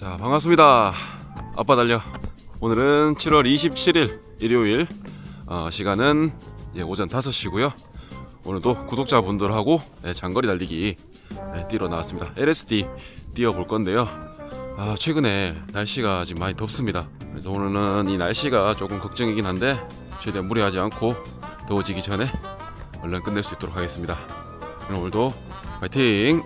자, 반갑습니다. 아빠 달려. 오늘은 7월 27일 일요일, 시간은 오전 5시고요. 오늘도 구독자분들하고 장거리 달리기 뛰러 나왔습니다. LSD 뛰어볼 건데요. 최근에 날씨가 지금 많이 덥습니다. 그래서 오늘은 이 날씨가 조금 걱정이긴 한데 최대한 무리하지 않고 더워지기 전에 얼른 끝낼 수 있도록 하겠습니다. 오늘도 파이팅!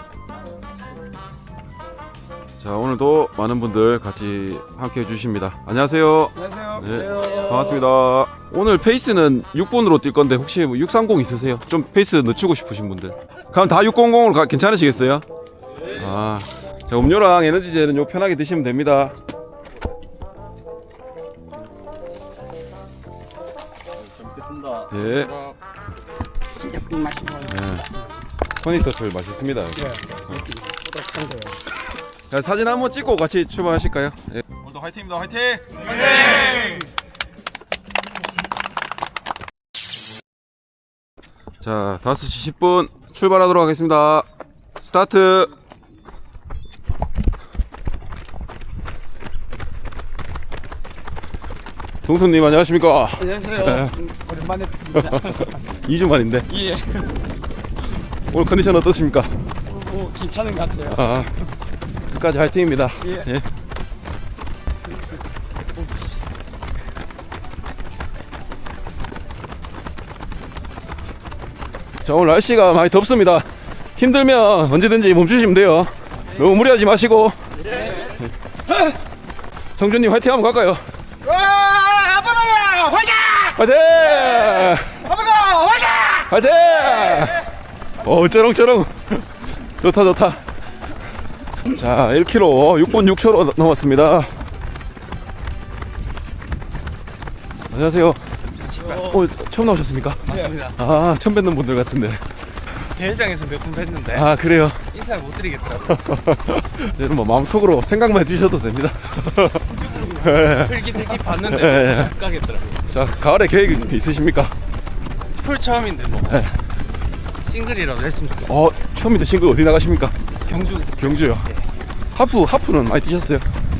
자, 오늘도 많은 분들 같이 함께 해주십니다. 안녕하세요. 안녕하세요. 네, 반갑습니다. 오늘 페이스는 6분으로 뛸 건데 혹시 630 있으세요? 좀 페이스 늦추고 싶으신 분들. 그럼 다 600으로 괜찮으시겠어요? 자, 음료랑 에너지젤은 요 편하게 드시면 됩니다. 잘 먹겠습니다. 예. 진짜 꿀맛이 나요. 허니터틀 맛있습니다. 뿌듯한 거예요. 자, 사진 한번 찍고 같이 출발하실까요? 예. 오늘도 화이팅입니다. 화이팅! 화이팅! 자, 5시 10분 출발하도록 하겠습니다. 스타트! 동순님 안녕하십니까? 안녕하세요. 네. 오랜만에 뵙습니다. 2주 만인데 예. 오늘 컨디션 어떠십니까? 괜찮은 것 같아요. 끝까지 화이팅입니다. 예. 자, 오늘 날씨가 많이 덥습니다. 힘들면 언제든지 멈추시면 돼요. 너무 무리하지 마시고. 성준님 화이팅 한번 갈까요? 아빠다 화이팅! 화이팅! 아빠다 화이팅! 화이팅! 쩌렁쩌렁. 좋다. 자, 1km 6분 6초로 넘었습니다. 안녕하세요. 처음 나오셨습니까? 맞습니다. 처음 뵙는 분들 같은데. 대회장에서 몇 분 뵀는데 그래요? 인사를 못 드리겠더라고요. 저는 뭐 마음속으로 생각만 해주셔도 됩니다. 흘기 봤는데 못 가겠더라고요. 자, 가을에 계획 있으십니까? 풀 처음인데 뭐 싱글이라도 했으면 좋겠어요. 처음인데 싱글 어디 나가십니까? 경주요. 하프는 많이 뛰셨어요?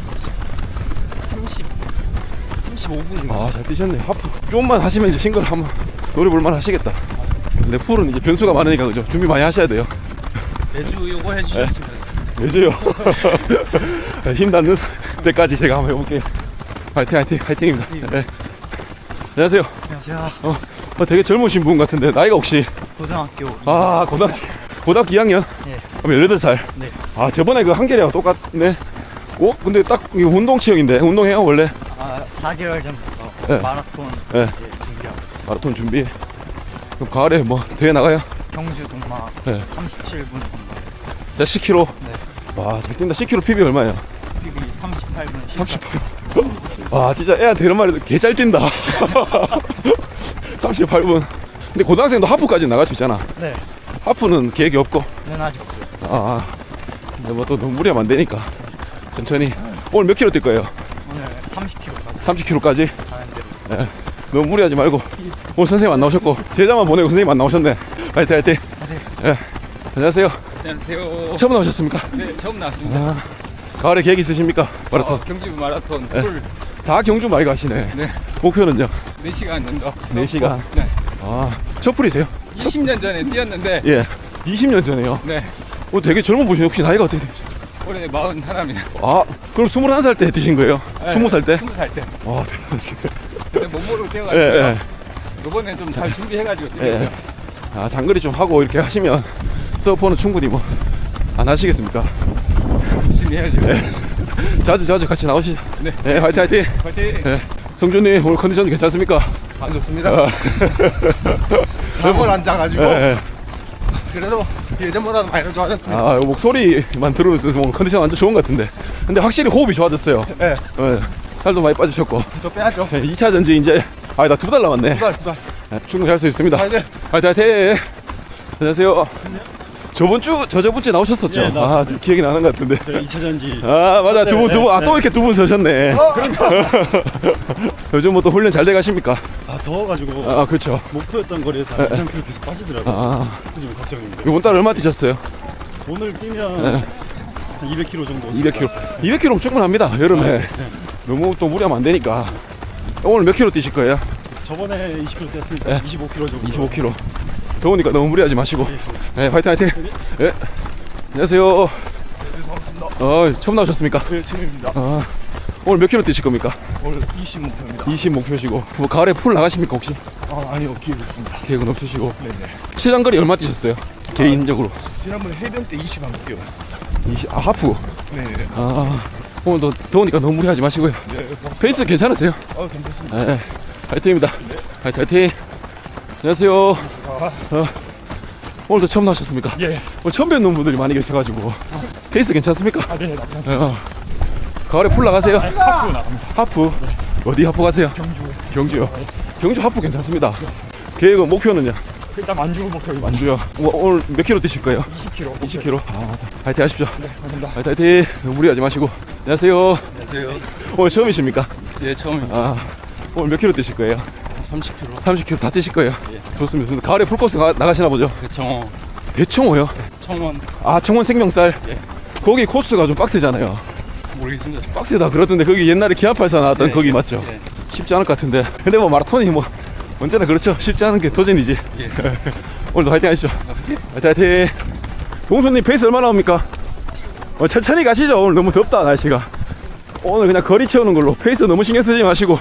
35분인가? 잘 뛰셨네요. 하프 좀만 하시면 이제 싱글 한번 노려볼만 하시겠다. 근데 풀은 이제 변수가 많으니까 그죠? 준비 많이 하셔야 돼요. 매주 요거 해주셨으면 왜죠요? 힘 닿는 때까지 제가 한번 해볼게요. 화이팅입니다. 네. 안녕하세요. 안녕하세요. 되게 젊으신 분 같은데 나이가 혹시? 고등학교 고등학교 2학년? 네. 그럼 18살? 네. 저번에 그 한결이하고 똑같네. 근데 딱 이거 운동 체형인데 운동해요 원래? 4개월 전부터 네. 마라톤 네. 준비하고 있어요. 마라톤 준비. 그럼 가을에 뭐 대회 나가요? 경주 동마 네. 37분 동마 자, 10km. 네. 와, 잘 뛴다. 10km PB 얼마예요? PB 38분 38. 와, 진짜 애한테 이런 말해도 개 잘 뛴다. 38분. 근데 고등학생도 하프까지 나갈 수 있잖아. 네. 하프는 계획이 없고. 는 아직 없어요. 근데 뭐 또 너무 무리하면 안 되니까 천천히. 오늘 몇 킬로 뛸 거예요? 오늘 30km까지 30km까지? 가는 대로. 너무 무리하지 말고. 오늘 선생님 안 나오셨고 제자만 보내고 선생님 안 나오셨네. 화이팅. 예. 안녕하세요. 안녕하세요. 처음 나오셨습니까? 네, 처음 나왔습니다. 가을에 계획 있으십니까? 마라톤. 경주 마라톤 네. 풀 다 경주 많이 가시네. 네. 목표는요? 4시간 정도. 4시간? 네. 첫 풀이세요? 20년 전에 뛰었는데 예. 20년 전에요? 네. 되게 젊어 보시네. 혹시 나이가 어떻게 되세요? 올해 41입니다. 그럼 21살 때 뛰신 거예요? 20살 때? 20살 때. 와, 대단하시네. 근데 몸으로 뛰어가지고 예. 이번에 좀 잘 준비해가지고 예. 뛰었어요. 장거리 좀 하고 이렇게 하시면 서퍼는 충분히 뭐 안 하시겠습니까? 열심히 해야죠. 자주 같이 나오시죠. 네. 화이팅. 화이팅! 예. 성준님 오늘 컨디션 괜찮습니까? 안 좋습니다. 잠을 안 자가지고 예. 그래도 예전보다는 많이 좋아졌습니다. 목소리만 들으면서 뭐 컨디션 완전 좋은 것 같은데. 근데 확실히 호흡이 좋아졌어요. 네. 살도 많이 빠지셨고. 더 빼야죠. 2차 전지 이제 나 2달 남았네. 2달. 충분히 할 수 있습니다. 화이팅! 화이팅! 안녕하세요. 저번 주에 나오셨었죠? 예, 나왔습니다. 기억이 나는 것 같은데. 2차전지. 맞아. 두 분. 또 이렇게 두 분 서셨네. 요즘 뭐 또 훈련 잘 돼 가십니까? 더워가지고 그렇죠. 목표였던 거리에서 2~3km 계속 빠지더라고요. 그래서 좀 걱정입니다. 이번 달 얼마 뛰셨어요? 오늘 뛰면 한 200km 정도. 200km. 200km면 충분합니다. 여름에. 너무 또 무리하면 안 되니까. 오늘 몇 킬로 뛰실 거예요? 저번에 20km 뛰었습니다. 네. 25km 정도. 25km. 더우니까 너무 무리하지 마시고. 알겠습니다. 네, 화이팅 화이팅. 네. 안녕하세요. 처음 나오셨습니까? 네, 처음입니다. 오늘 몇 킬로 뛰실 겁니까? 오늘 20 목표입니다. 20 목표시고. 뭐 가을에 풀 나가십니까 혹시? 아니요, 기회 없습니다. 계획은 없으시고. 네네. 시장거리 얼마 뛰셨어요? 개인적으로. 지난번에 해변 때 20 안 뛰어갔습니다. 하프. 네네. 오늘도 더우니까 너무 무리하지 마시고요. 네, 페이스 괜찮으세요? 괜찮습니다. 네. 화이팅입니다. 화이팅 화이팅. 안녕하세요. 오늘도 처음 나오셨습니까? 예. 오늘 처음 뵙는 분들이 많이 계셔가지고. 페이스 괜찮습니까? 네, 나갑니다. 가을에 풀 나가세요? 하프 나갑니다. 하프. 어디 하프 가세요? 경주요. 경주 하프 괜찮습니다. 계획은 목표는요? 일단 만주 목표입니다. 만주요. 오늘 몇 킬로 뛰실 거예요? 20km. 20킬로. 화이팅 하십시오. 네, 감사합니다. 화이팅. 너무 무리하지 마시고. 안녕하세요. 안녕하세요. 오늘 처음이십니까? 예, 처음입니다. 오늘 몇 킬로 뛰실 거예요? 30km. 30킬로 다 뛰실 거예요? 예. 좋습니다. 가을에 풀코스 나가시나 보죠? 배청호, 배청호요? 청원 청원 생명쌀? 예. 거기 코스가 좀 빡세잖아요. 모르겠습니다. 빡세다 그러던데 거기 옛날에 기아팔사 나왔던 예. 거기 맞죠? 예. 쉽지 않을 것 같은데. 근데 뭐 마라톤이 뭐 언제나 그렇죠. 쉽지 않은 게 도전이지. 예. 오늘도 화이팅 하시죠. 화이팅 화이팅. 동수님 페이스 얼마나 나옵니까? 천천히 가시죠. 오늘 너무 덥다 날씨가. 오늘 그냥 거리 채우는 걸로. 페이스 너무 신경 쓰지 마시고.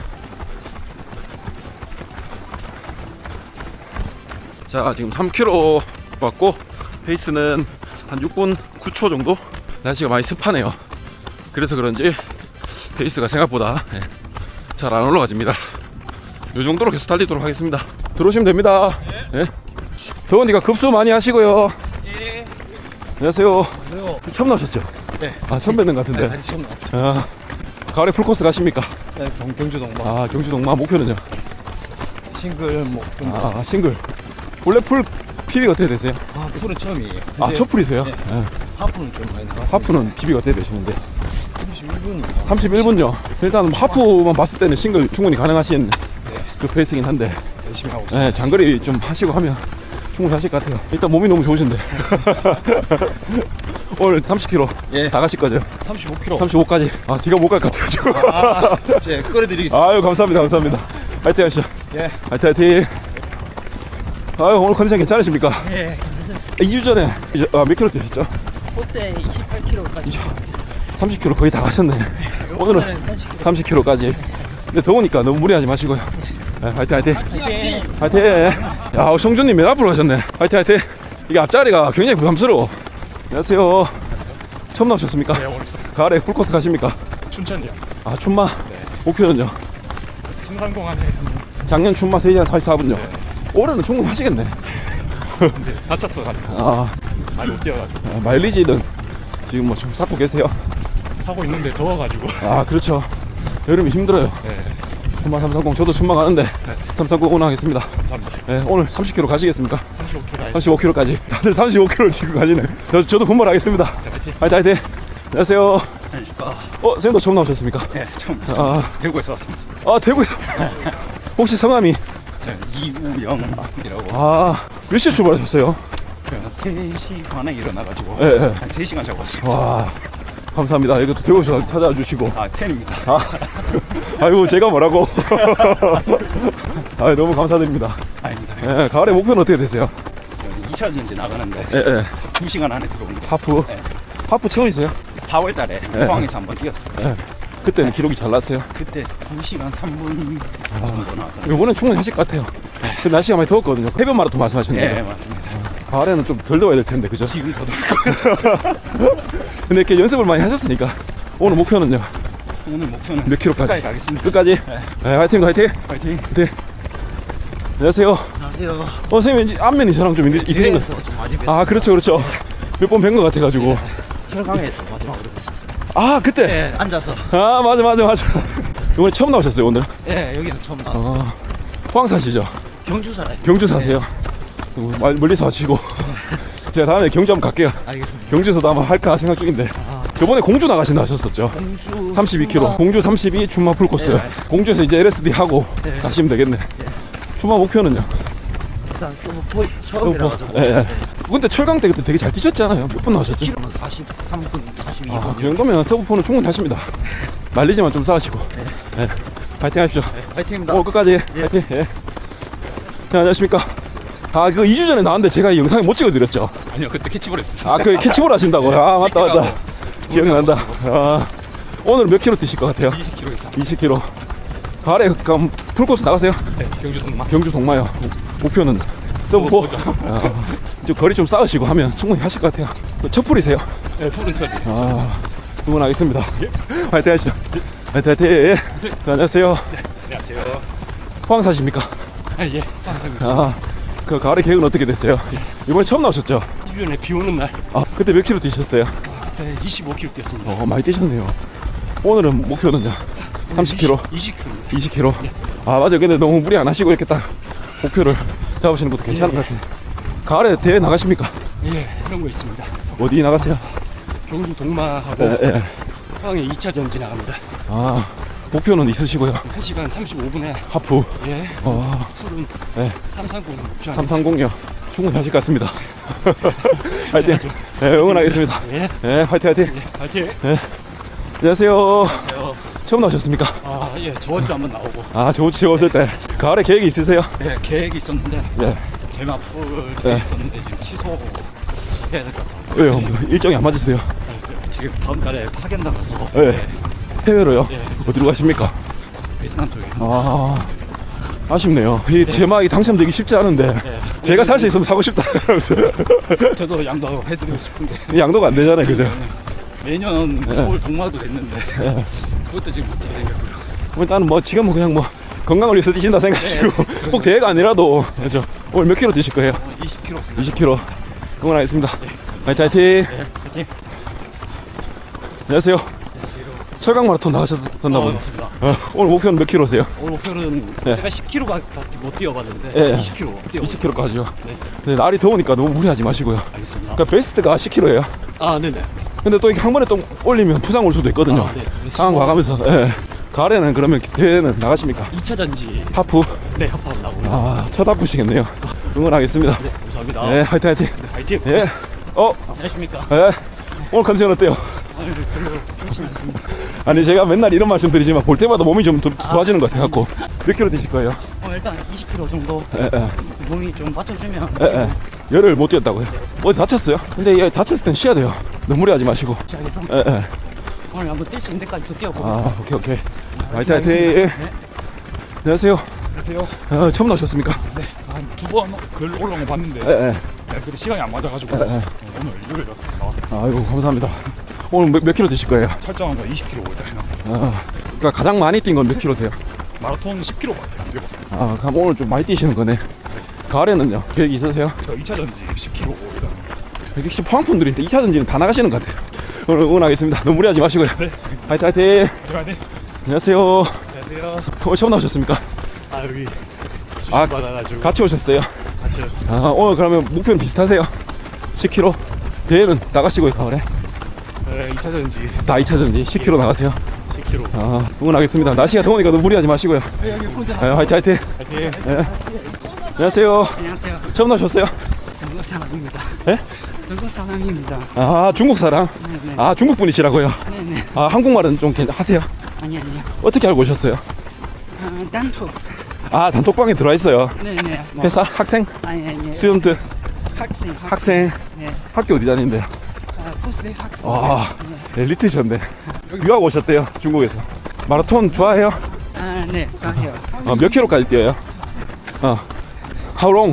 자, 지금 3km 왔고 페이스는 한 6분 9초 정도. 날씨가 많이 습하네요. 그래서 그런지 페이스가 생각보다 잘 안 올라가집니다. 이 정도로 계속 달리도록 하겠습니다. 들어오시면 됩니다. 예. 더우니까 급수 많이 하시고요. 예. 안녕하세요. 안녕하세요. 처음 나오셨죠? 네. 처음 뵙는 것 같은데. 다시 처음 나왔어요. 가을에 풀코스 가십니까? 네, 경주 동반. 경주 동마 목표는요? 싱글 뭐. 싱글. 원래 풀 PB가 어떻게 되세요? 풀은 처음이에요. 첫 풀이세요? 네. 예. 하프는 좀 많이 나갔어요. 하프는 PB가 어떻게 되시는데? 31분. 31분요. 일단 하프만 봤을 때는 싱글 충분히 가능하신 그 페이스긴 한데. 열심히 하고 있어요. 네, 장거리 좀 하시고 하면 충분히 하실 것 같아요. 일단 몸이 너무 좋으신데. 오늘 30km 예. 다 가실 거죠? 35km. 35까지. 제가 못 갈 것 같아가지고. 제가 끌어드리겠습니다. 아유, 감사합니다. 감사합니다. 화이팅 하시죠. 예. 화이팅 화이팅. 오늘 컨디션 괜찮으십니까? 네, 괜찮습니다. 2주 전에 몇 킬로 뛰셨죠? 그때 28km까지 30km 거의 다 가셨네. 오늘은 30km. 30km까지. 근데 더우니까 너무 무리하지 마시고요. 네, 화이팅 화이팅. 화이팅! 화이팅. 야, 성준님 맨 앞으로 가셨네. 화이팅 화이팅. 이게 앞자리가 굉장히 부담스러워. 안녕하세요. 처음 나오셨습니까? 네, 오늘 처음. 가을에 풀코스 가십니까? 춘천이요. 춘마. 네. 목표는요? 330 안에 작년 춘마 3시간 44분요. 네. 올해는 충분히 하시겠네. 근데 다쳤어가지고 많이 못 뛰어가지고 마일리지는 지금 뭐 좀 쌓고 계세요? 하고 있는데 더워가지고. 그렇죠. 여름이 힘들어요. 네. 춘마 330 저도 춘마 가는데 330 오너하겠습니다. 감사합니다. 네, 오늘 30km 가시겠습니까? 35km. 35km까지. 다들 35km를 지금 가시네. 저도 분발하겠습니다. 화이팅. 화이팅 화이팅. 안녕하세요. 안녕하십니까. 선생님도 처음 나오셨습니까? 네, 처음 왔습니다. 대구에서 왔습니다. 대구에서. 혹시 성함이? 저는 이우영이라고. 몇 시에 출발하셨어요? 3시 반에 일어나가지고 예, 예. 한 3시간 자고 왔습니다. 와, 감사합니다. 이것도 대구에서 찾아와 주시고. 팬입니다. 아이고, 제가 뭐라고. 너무 감사드립니다. 아닙니다. 예, 가을에 목표는 어떻게 되세요? 2차 전지 나가는데 예. 2시간 안에 들어옵니다. 하프? 네. 하프 처음이세요? 4월 달에 네. 포항에서 한번 뛰었습니다. 예. 그때는 기록이 잘 났어요. 그때 2시간 3분 정도 나왔던 이번엔 충분히 하실 것 같아요. 그 날씨가 많이 더웠거든요. 해변 마라톤 말씀하셨는데. 네, 맞습니다. 가을에는 좀 덜 더워야 될 텐데, 그죠? 지금 더 더울 것 같아요. 근데 이렇게 연습을 많이 하셨으니까 오늘 목표는요? 오늘 목표는 몇 킬로까지? 끝까지 가겠습니다. 끝까지? 네, 화이팅 화이팅. 파이팅. 네. 안녕하세요. 안녕하세요. 선생님 왠지 안면이 저랑 좀 있으신 것 좀 많이 뵀어요. 그렇죠. 몇 번 뵌 것 같아가지고. 혈강에서 마지막으로 뵀었습니다. 그때. 네, 앉아서. 맞아. 이번에 처음 나오셨어요 오늘? 네, 여기는 처음 나왔어요. 포항 사시죠? 경주 살아요. 경주 사세요? 멀리서 하시고. 제가 다음에 경주 한번 갈게요. 알겠습니다. 경주에서도 아마 할까 생각 중인데. 저번에 공주 나가신다 하셨었죠? 공주 32km. 공주 32 춘마 풀코스. 네. 공주에서 이제 LSD 하고 가시면 되겠네. 춘마 목표는요? 일단 서브 처음이라가지고 예, 예. 근데 철강 때 그때 되게 잘 뛰셨잖아요. 몇 분 나오셨죠? 키로는 43분, 42분. 아, 그 정도면 서브포는 충분히 하십니다. 말리지만 좀 쌓으시고. 예. 파이팅 하십시오. 파이팅입니다. 오늘 끝까지. 파이팅. 예. 네, 안녕하십니까. 아, 그 2주 전에 나왔는데 제가 이 영상을 못 찍어드렸죠. 아니요, 그때 캐치볼 했었어요. 아, 그 캐치볼 하신다고요? 아, 맞다. 기억난다. 아, 오늘 몇 킬로 뛰실 것 같아요? 20km 이상. 20킬로. 가을에 그럼 풀코스 나가세요? 네, 경주 동마. 경주 동마요. 목표는 서브포. 서브포죠. 아, 좀 거리 좀 쌓으시고 하면 충분히 하실 것 같아요. 첫 풀이세요? 네, 풀은 처리. 아, 응원하겠습니다. 화이팅 하시죠. 화이팅, 화이팅. 네, 안녕하세요. 안녕하세요. 포항 사십니까? 아, 예. 항상 있습니다. 아, 그 가을의 계획은 어떻게 됐어요? 이번에 처음 나오셨죠? 2주 전에 비 오는 날 아, 그때 몇 킬로 뛰셨어요? 그때 25km 뛰었습니다. 많이 뛰셨네요. 오늘은 목표는요? 30킬로? 20km. 20킬로? 아, 맞아요. 근데 너무 무리 안 하시고 이렇게 딱 목표를 잡으시는 것도 괜찮은 것 같은데. 가을에 대회 나가십니까? 예, 그런 거 있습니다. 어디 나가세요? 경주 동마하고 예, 예. 포항에 2차 전지 나갑니다. 아, 목표는 있으시고요. 1시간 35분에 하프. 예, 술은 네. 330 목표. 330요. 충분히 하실 것 같습니다. 화이팅. 네, 응원하겠습니다. 예, 네, 화이팅, 화이팅. 예, 파이팅. 안녕하세요. 안녕하세요. 처음 나오셨습니까? 아, 예, 저번 주 한번 나오고. 아, 저번 오실 때. 가을에 계획이 있으세요? 예, 계획이 있었는데 네. 제마풀 네. 계획 있었는데 지금 취소해야 될 것 같아요. 왜요? 일정이 안 맞으세요? 지금 다음 달에 파견 나가서 네. 해외로요? 예. 어디로 가십니까? 베트남 쪽에. 아, 아쉽네요. 이 제막이 당첨되기 쉽지 않은데 제가 살 수 있으면 사고 싶다. 저도 양도 해드리고 싶은데 양도가 안 되잖아요, 그죠? 매년 서울 동마도 냈는데 그것도 지금 못 뛰겠고요. 일단은 뭐 지금은 그냥 뭐 건강을 위해서 뛰신다 생각하시고 꼭 대회가 아니라도 그렇죠. 오늘 몇 킬로 뛰실 거예요? 20km. 20킬로. 응원하겠습니다. 화이팅, 화이팅. 파이팅. 안녕하세요. 철강 마라톤 나가셨었나 보네. 맞습니다. 오늘 목표는 몇 킬로세요? 오늘 목표는 네. 제가 10km밖에 못 뛰어봤는데 예. 20km 뛰어. 20킬로까지요. 네. 근데 날이 더우니까 너무 무리하지 마시고요. 알겠습니다. 그러니까 베스트가 10킬로예요. 아, 네네. 근데 또 이게 한 번에 또 올리면 부상 올 수도 있거든요. 아, 네. 상황 봐가면서. 예. 가을에는 그러면 대회는 나가십니까? 2차 전지. 하프. 네, 합하고 나옵니다. 아, 첫 하프시겠네요. 응원하겠습니다. 네, 감사합니다. 네, 화이팅, 화이팅. 네, 파이팅. 예. 안녕하십니까. 예. 오늘 컨디션 어때요? 아유, 별로 좋지 않습니다. 아니, 제가 맨날 이런 말씀 드리지만 볼 때마다 몸이 좀 좋아지는 것 같아갖고. 몇 킬로 드실 거예요? 일단 20km 정도 예, 예. 몸이 좀 받쳐주면 예, 예. 열을 못 뛰었다고요? 어디 다쳤어요? 근데 얘 다쳤을 땐 쉬어야 돼요. 너무 무리하지 마시고. 시작해서 예, 예. 오늘 한번 뛸 수 있는 데까지 또 뛰어보겠습니다. 아, 오케이, 오케이. 화이팅, 화이팅. 안녕하세요. 안녕하세요. 처음 나오셨습니까? 네, 한 두 번 글 올라온 거 봤는데 예, 예. 네, 근데 시간이 안 맞아가지고 예, 예. 오늘 일요일 나왔어요. 아이고, 감사합니다. 오늘 몇 킬로 드실 거예요? 설정한 거 20km 일단 해놨어요. 아, 그러니까 가장 많이 뛴 건 몇 킬로세요? 마라톤 10km밖에 안 뛰어봤어요. 아, 그럼 오늘 좀 많이 뛰시는 거네. 가을에는요? 계획이 있으세요? 저 2차 전지 10km 일단. 역시 포항분들이 2차 전지는 다 나가시는 것 같아요. 오늘 응원하겠습니다. 너무 무리하지 마시고요. 네, 화이팅, 화이팅. 들어가네. 안녕하세요. 안녕하세요. 오늘 처음 나오셨습니까? 아, 여기 아, 받아가지고 같이 오셨어요? 같이. 아, 오늘 그러면 목표는 비슷하세요? 10km? 대회는 나가시고요, 가을에? 네, 2차 전지 다 2차 전지 10km 나가세요? 10km. 아, 응원하겠습니다. 날씨가 더우니까 너무 무리하지 마시고요. 아, 화이팅, 화이팅. 파이팅. 예. 안녕하세요. 안녕하세요. 처음 나오셨어요? 중국 사람입니다. 예? 중국 사람입니다. 아, 중국 사람? 네네. 아, 중국 분이시라고요? 네네. 아, 한국말은 좀 하세요? 아니요. 어떻게 알고 오셨어요? 단톡. 아, 단톡방에 들어와 있어요. 네네. 뭐, 회사? 학생? 아니. 스튜던트? 학생. 학생? 네. 학교 어디 다니는데요? 포스트 학생. 아, 네. 엘리트셨네. 유학 오셨대요, 중국에서. 마라톤 좋아해요? 네. 좋아해요. 몇 킬로까지 뛰어요? How long?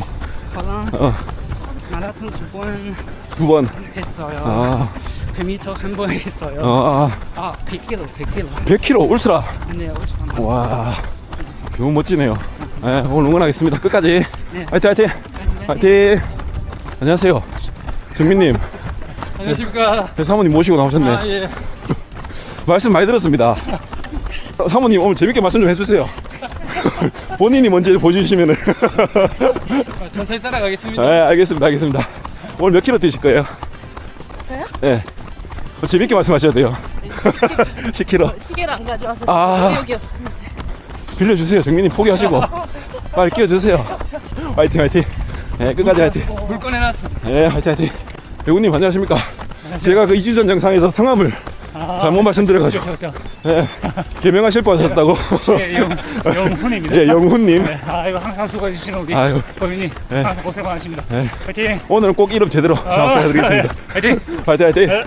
저랑 마라톤 2번 2번. 했어요. 아, 100m 한 번 했어요. 100km. 100km 울트라. 네, 5초. 와, 너무 멋지네요. 네, 오늘 응원하겠습니다. 끝까지. 네. 화이팅, 화이팅. 화이팅. 안녕하세요. 정민님. 안녕하십니까. 사모님 모시고 나오셨네. 아, 예. 말씀 많이 들었습니다. 사모님 오늘 재밌게 말씀 좀 해주세요. 본인이 먼저 보여주시면은. 천천히 따라가겠습니다. 네, 알겠습니다. 오늘 몇 킬로 뛰실 거예요? 저요? 네. 재밌게 말씀하셔야 돼요. 10킬로. 시계를 안 가져와서 아. 여기 없습니다. 빌려주세요. 정민님 포기하시고. 빨리 끼워주세요. 화이팅 화이팅. 네, 끝까지 화이팅. 물 꺼내놨어. 네, 화이팅 화이팅. 배우님 안녕하십니까? 제가 그 2주 전 영상에서 성함을 잘못 말씀드려가지고 그렇죠. 네, 개명하실 뻔하셨다고. 예, 영훈입니다. 예, 영훈님. 네, 아이고 항상 수고해 주시는 우리 아유. 범인님 네. 항상 고생 많으십니다. 네. 화이팅. 오늘은 꼭 이름 제대로 장사해드리겠습니다. 화이팅. 화이팅 화이팅.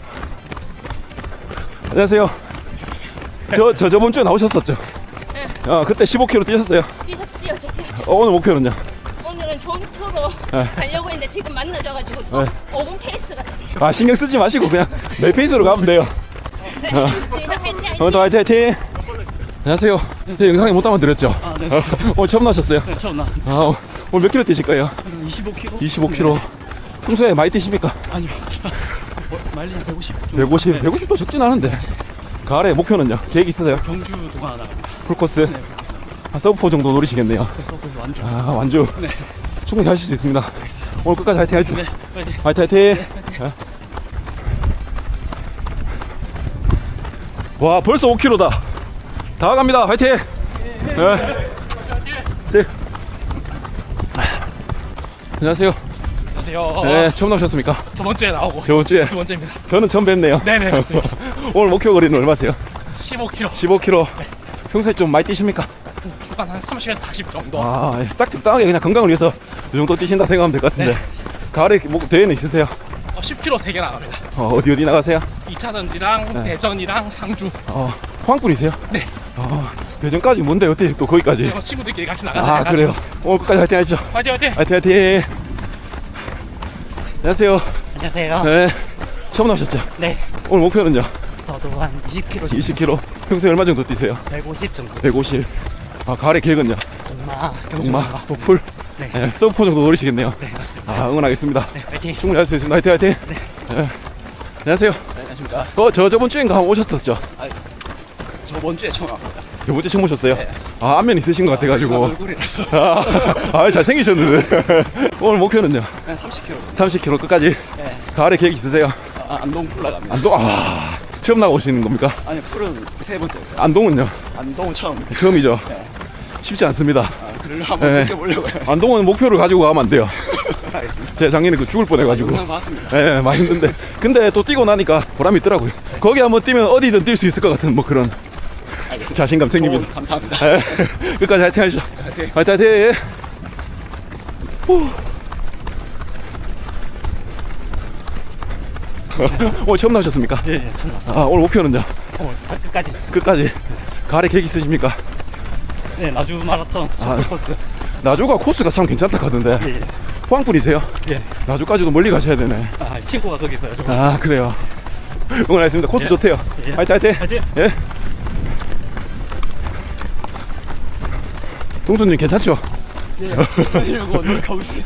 안녕하세요. 저번 주에 나오셨었죠? 네. 그때 15km 뛰셨어요. 뛰었죠. 오늘 목표는요? 오늘은 존초로 네. 가려고 했는데 지금 만나져가지고 또 네. 5분 페이스가 됐어요. 신경 쓰지 마시고 그냥 내 페이스로 가면 돼요. 네, 좋습니다. 화이팅. 오늘도 화이팅 화이팅. 안녕하세요. 제 영상에 못 담아드렸죠? 네. 오늘 처음 나오셨어요? 네, 처음 나왔습니다. 오늘 몇 킬로 뛰실 거예요? 25kg? 25km. 평소에 많이 뛰십니까? 아니요. 마일리지 150. 150. 150도 적진 않은데. 가을에 목표는요? 계획 있으세요? 경주 동안 나갑니다. 풀코스? 네, 그렇습니다. 한 서브포 정도 노리시겠네요. 그래서 거기서 완주. 완주. 네. 충분히 하실 수 있습니다. 오늘 끝까지 화이팅 하십시오. 네, 화이팅. 화이팅 화이팅. 네. 와, 벌써 5km다. 다 갑니다. 화이팅. 네. 네. 안녕하세요. 안녕하세요. 네, 처음 나오셨습니까? 저번 주에 나오고 저번 주에. 두 번째입니다. 저는 처음 뵙네요. 네네 맞습니다. 오늘 목표 거리는 얼마세요? 15km. 15km. 평소에 좀 많이 뛰십니까? 주간 한 30에서 40 정도. 딱 적당하게 그냥 건강을 위해서 이 정도 뛰신다 생각하면 될 것 같은데. 가을에 대회는 있으세요? 10km 3개 나갑니다. 어디 나가세요? 2차전지랑 대전이랑 상주. 포항꾼이세요? 네. 대전까지 뭔데 어떻게 또 거기까지? 친구들끼리 같이 나가자. 그래요. 오늘 끝까지 화이팅 하시죠. 화이팅 화이팅. 화이팅 화이팅. 안녕하세요. 안녕하세요. 네. 처음 나오셨죠? 네. 오늘 목표는요? 저도 한 20km 20km. 평소에 얼마 정도 뛰세요? 150 정도. 150. 가을에 계획은요? 동마. 풀. 네. 서브포 정도 노리시겠네요. 네 맞습니다. 응원하겠습니다. 네 화이팅. 충분히 할 수 있습니다. 화이팅 화이팅. 네. 안녕하세요. 안녕하십니까. 저번 주인가 한번 오셨었죠? 저번 주에 처음 왔습니다. 저번 주에 처음 오셨어요? 안면 있으신 것 같아가지고. 얼굴이라서. 잘생기셨는데. 오늘 목표는요? 한 30kg. 30km 끝까지. 네. 가을에 계획 있으세요? 안동 풀 나갑니다. 안동, 처음 나오시는 겁니까? 아니, 풀은 세 번째. 안동은요? 안동 처음. 처음이죠? 네. 쉽지 않습니다. 그걸 한번 네. 느껴보려고요. 안동은 목표를 가지고 가면 안 돼요. 알겠습니다. 제가 작년에 죽을 뻔해가지고. 영상 봤습니다. 네, 많이 힘든데. 근데 또 뛰고 나니까 보람이 있더라고요. 거기 한번 뛰면 어디든 뛸 수 있을 것 같은 뭐 그런 알겠습니다. 자신감 생깁니다. 조언 감사합니다. 네, 끝까지 화이팅 하시죠. 화이팅. 화이팅 화이팅. 오늘 처음 나오셨습니까? 네 처음 왔어요. 오늘 목표는요? 끝까지. 끝까지. 가을에 계획 있으십니까? 네 나주 마라톤 첫 코스. 나주가 코스가 참 괜찮다 하던데. 예. 포항분이세요? 예. 나주까지도 멀리 가셔야 되네. 친구가 거기 있어요. 그래요. 응원하겠습니다. 코스 좋대요. 예. 화이팅 화이팅. 화이팅. 예. 동수님 괜찮죠? 네, 저희려고 노력하고 있어요.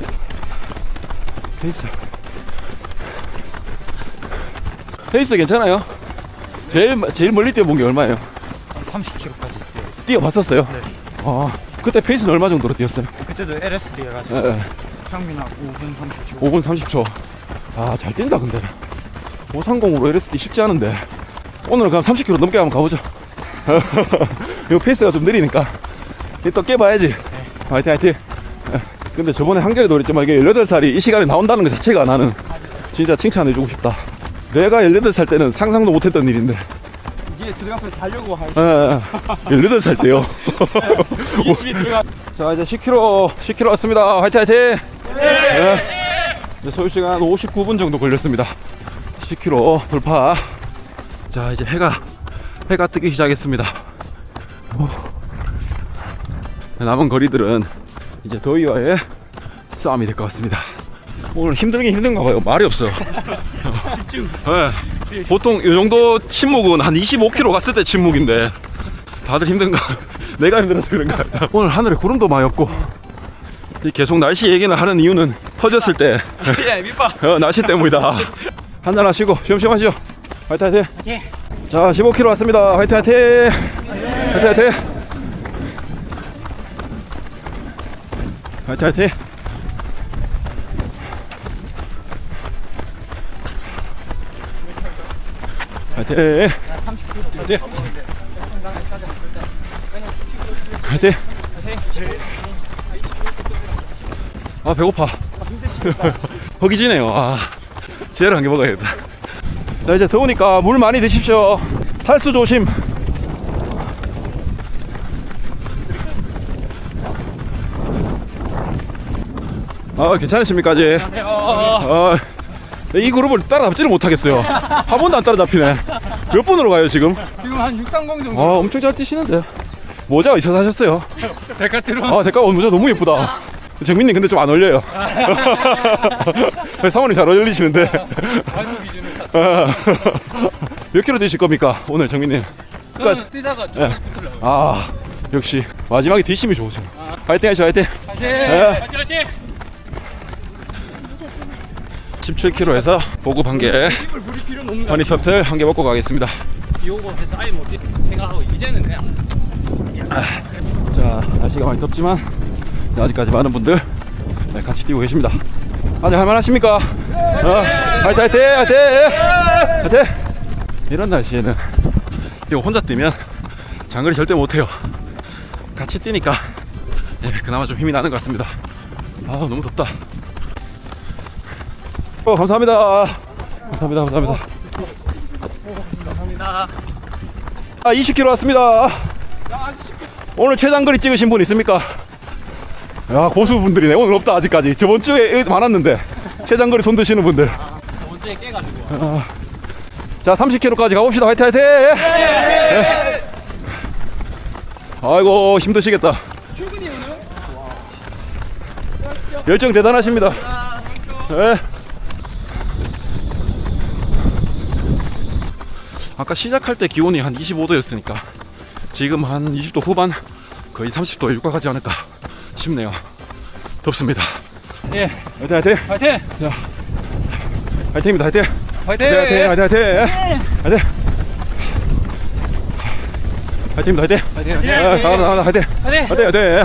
페이스 괜찮아요? 제일 멀리 뛰어본 게 얼마예요? 30km까지. 뛰어봤었어요? 네. 그때 페이스는 얼마 정도로 뛰었어요? 그때도 LSD 해가지고 예, 평균하고 5분 30초. 5분 30초. 잘 뛴다 근데. 530으로 LSD 쉽지 않은데. 오늘 그럼 30km 넘게 한번 가보죠. 이 페이스가 좀 느리니까 또 깨봐야지. 화이팅 화이팅. 근데 저번에 한겨레도 그랬지만 이게 18살이 이 시간에 나온다는 것 자체가 나는 진짜 칭찬해주고 싶다. 내가 18살 때는 상상도 못했던 일인데. 이게 들어가서 자려고 할 18살 때요. 이게 집에 들어가. 자, 이제 10km 왔습니다. 화이팅 화이팅. 네. 이제 소요시간 59분 정도 걸렸습니다. 10km 돌파. 자, 이제 해가 뜨기 시작했습니다. 남은 거리들은 이제 더위와의 싸움이 될 것 같습니다. 오늘 힘들긴 힘든가 봐요. 말이 없어. 집중. 네. 보통 이 정도 침묵은 한 25km 갔을 때 침묵인데 다들 힘든가? 내가 힘들어서 그런가? 오늘 하늘에 구름도 많이 없고 계속 날씨 얘기를 하는 이유는 퍼졌을 때 예, 밑밥. 날씨 때문이다. 한잔 하시고 쉬엄쉬엄 하시죠. 화이팅 화이팅. 화이팅. 자, 15km 왔습니다. 화이팅 화이팅. 화이팅 화이팅. 화이팅 화이팅. 화이팅. 화이팅. 화이팅. 아 배고파. 허기지네요. 아 지혜를 한 개 먹어야겠다. 자, 이제 더우니까 물 많이 드십시오. 탈수 조심. 아, 괜찮으십니까, 아직? 이 그룹을 따라잡지를 못하겠어요. 한 번도 안 따라잡히네. 몇 번으로 가요, 지금? 지금 한 630 정도. 아, 엄청 잘 뛰시는데. 모자 어디서 사셨어요? 데카트론. 아, 대가 모자 너무 예쁘다. 정민님 근데 좀 안 어울려요. 상원님 잘 어울리시는데. 발목 기준을 샀어. 몇 킬로 뛰실 겁니까, 오늘 정민님? 저는 뛰다가 좀 예. 아, 역시 마지막에 뒷심이 좋으세요. 화이팅 하시죠, 화이팅. 화이팅! 예. 화이팅 화이팅! 17km에서 보급 한 개, 입을 부릴 필요는 없는 허니터틀 한 개 먹고 가겠습니다. 비 오고 해서 아예 못 뛰 생각하고 이제는 그냥 자, 날씨가 많이 덥지만 아직까지 많은 분들 같이 뛰고 계십니다. 아직 할만하십니까? 화이팅, 화이팅, 화이팅, 화이팅. 이런 날씨에는 이거 혼자 뛰면 장거리 절대 못해요. 같이 뛰니까 그나마 좀 힘이 나는 것 같습니다. 아 너무 덥다. 감사합니다. 감사합니다. 감사합니다. 감사합니다. 아, 20km 왔습니다. 오늘 최장거리 찍으신 분 있습니까? 야, 고수분들이네. 오늘 없다 아직까지. 저번 주에 많았는데 최장거리 손 드시는 분들. 저번 주에 깨가지고. 자, 30km까지 가봅시다. 화이팅, 화이팅. 네. 아이고, 힘드시겠다. 출근이 오늘? 열정 대단하십니다. 네. 아까 시작할 때 기온이 한 25도였으니까 지금 한 20도 후반, 거의 30도에 육박하지 않을까 싶네요. 덥습니다. 예. 화이팅, 화이팅. 화이팅! 자, 화이팅입니다. 화이팅. 화이팅! 화이팅, 화이팅, 화이팅. 화이팅. 화이팅입니다. 화이팅. 화이팅! 나가다, 화이팅. 화이팅! 화이팅, 화이팅.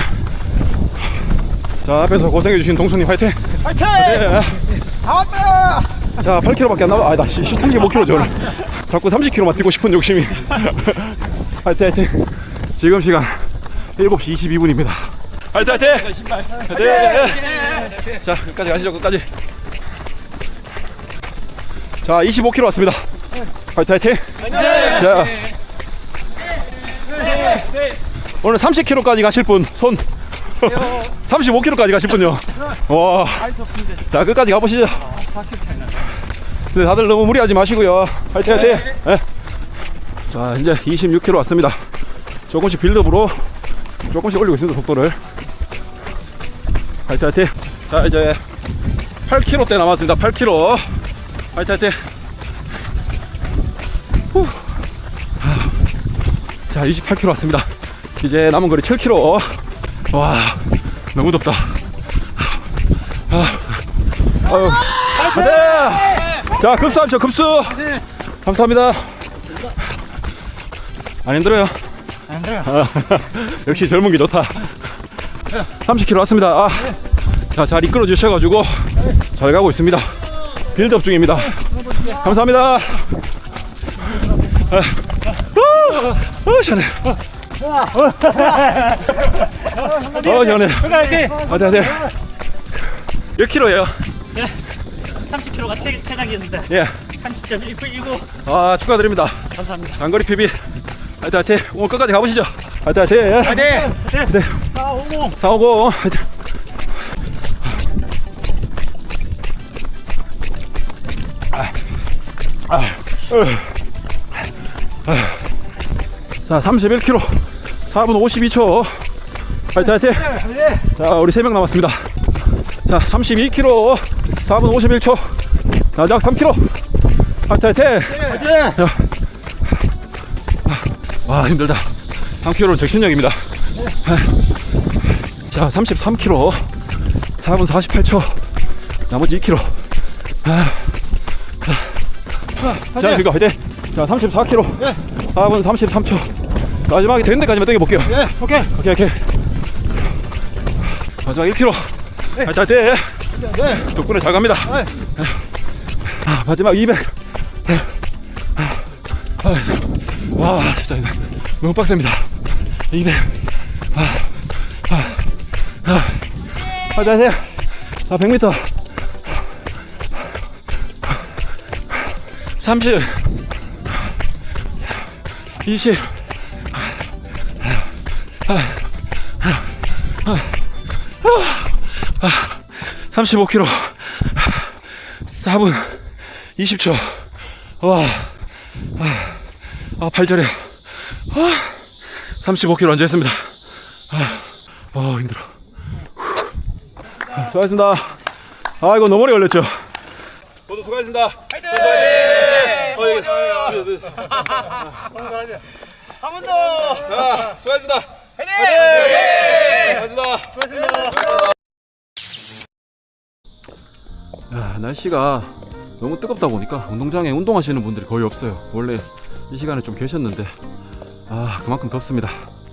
자, 앞에서 고생해주신 동선님 화이팅. 화이팅! 다 왔다. 자, 8km밖에 안 남아. 아, 나 35km 줘. 자꾸 30km만 뛰고 싶은 욕심이. 화이팅, 화이팅. 지금 시간 7시 22분입니다. 화이팅, 화이팅. 화이팅. 자, 끝까지 가시죠. 끝까지. 자, 25km 왔습니다. 화이팅, 화이팅. 자, 오늘 30km까지 가실 분 손. 35km까지 가실 분요. 와. 자, 끝까지 가보시죠. 근데 다들 너무 무리하지 마시고요. 화이팅, 화이팅. 네. 자, 이제 26km 왔습니다. 조금씩 빌드업으로 조금씩 올리고 있습니다, 속도를. 화이팅, 화이팅. 자, 이제 8km대 남았습니다. 8km. 화이팅, 화이팅. 후. 자, 28km 왔습니다. 이제 남은 거리 7km. 와, 너무 덥다. 아유, 화이팅! 자, 급수하십시오, 급수. 감사합니다. 안 힘들어요? 안 힘들어요. 역시 젊은 게 좋다. 30km 왔습니다. 아, 자, 잘 이끌어 주셔가지고 잘 가고 있습니다. 빌드업 중입니다. 감사합니다. 시원해. 시원해. 화이팅, 화이팅. 몇 킬로예요? 30km가 최장이었는데 예. 30.19. 아, 축하드립니다. 감사합니다. 장거리 PB. 화이팅, 화이팅. 오늘 끝까지 가보시죠. 화이팅, 화이팅. 화이팅. 네. 450. 450. 화이팅. 자, 31km 4분 52초. 화이팅, 화이팅. 자, 우리 3명 남았습니다. 자, 32km 4분 51초. 자, 약 3km. 화이팅, 화이팅. 자, 와, 힘들다. 3km는 적신력입니다. 자, 33km 4분 48초. 나머지 2km. 자, 이거 화이팅. 자, 34km 4분 33초. 마지막에 되는 데까지만 당겨볼게요. 예, 오케이. 오케이. 마지막 1km. 화이팅, 화이팅. 네. 덕분에 잘 갑니다. 아, 마지막 200. 와, 진짜 너무 빡셉니다. 200. 화이팅, 화이팅. 자, 100m. 30. 20. 35km. 4분 20초. 와. 팔절이야. 35km 완주했습니다. 힘들어. 수고하셨습니다. 이거 너무 오래 걸렸죠? 모두 수고하셨습니다. 화이팅! 한 번 더. 자, 수고하셨습니다. 화이팅! 수고하셨습니다. 날씨가 너무 뜨겁다 보니까 운동장에 운동하시는 분들이 거의 없어요. 원래 이 시간에 좀 계셨는데 그만큼 덥습니다.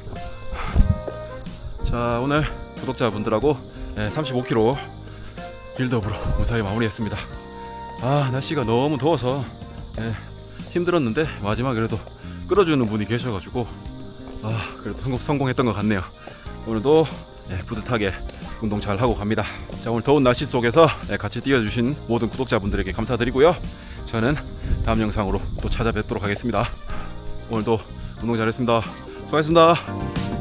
자, 오늘 구독자분들하고 35km 빌드업으로 무사히 마무리했습니다. 날씨가 너무 더워서 힘들었는데 마지막에 그래도 끌어주는 분이 계셔가지고 그래도 성공했던 것 같네요. 오늘도 뿌듯하게 운동 잘 하고 갑니다. 자, 오늘 더운 날씨 속에서 같이 뛰어주신 모든 구독자분들에게 감사드리고요. 저는 다음 영상으로 또 찾아뵙도록 하겠습니다. 오늘도 운동 잘했습니다. 수고하셨습니다.